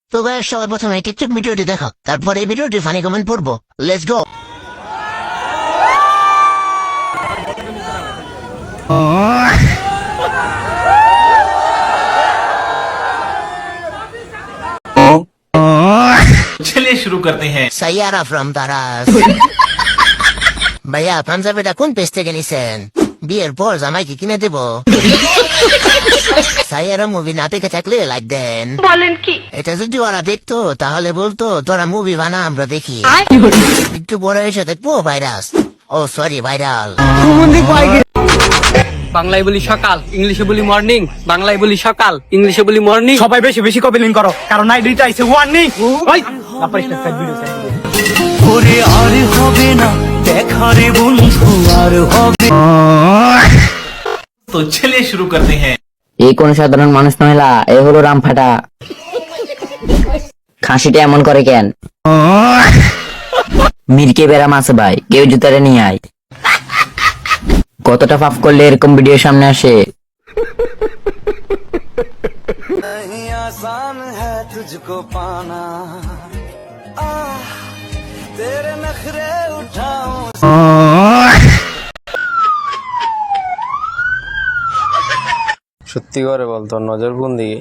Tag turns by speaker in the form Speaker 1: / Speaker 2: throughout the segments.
Speaker 1: তো গাইস সবার প্রথমে টিকটক ভিডিওটি দেখো, তারপর এই ভিডিওটি ফানি কমেন্ট পড়বো। Let's go.
Speaker 2: चलिए शुरू करते हैं।
Speaker 1: সাইয়ারা ফ্রম তারাস। ভাইয়া পাঞ্জাবিটা কোন পেজ থেকে নিছেন? বিয়ের পর জামাইকে কিনে দেব। সাইয়ারা মুভি না দেখে থাকলে লাইক দেন।
Speaker 3: বলেন কি?
Speaker 1: এটা যদি ওরা দেখতো তাহলে বলতো তোরা মুভি বানা আমরা দেখি। একটু বড় এসে দেখবো ভাইরাস, ও সরি ভাইরাল।
Speaker 4: বাংলায় বলি সকাল, ইংলিশে বলি মর্নিং। বাংলায় বলি সকাল, ইংলিশে বলি মর্নিং।
Speaker 5: সবাই বেশি বেশি কপিলিং করো, কারণ নাইটটা আইছে ওয়ার্নিং। ওই তারপরে স্টার্ট ভিডিও
Speaker 6: ওরে আর হবে না দেখা রে বন্ধু, আর হবে।
Speaker 2: तो चलिए शुरू करते हैं।
Speaker 7: এই কোন সাধারণ মানুষ মহিলা, এ হলো রামফাটা। খাসিটা এমন করে কেন? মিরকে বেরাম আছে ভাই, কেউ জুতারে নিয়ে আয়। কতটা পাপ করলে এরকম ভিডিও সামনে আসে?
Speaker 6: नहीं आसान है तुझको पाना, तेरे नखरे उठाऊं।
Speaker 8: সত্যি করে বল, তোর নজর কোন দিকে?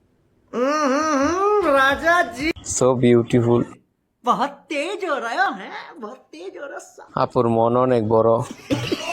Speaker 6: Raja ji
Speaker 8: so beautiful.
Speaker 6: बहुत तेज हो रहा है, बहुत तेज हो रहा है।
Speaker 8: আপুর মন অনেক বড়।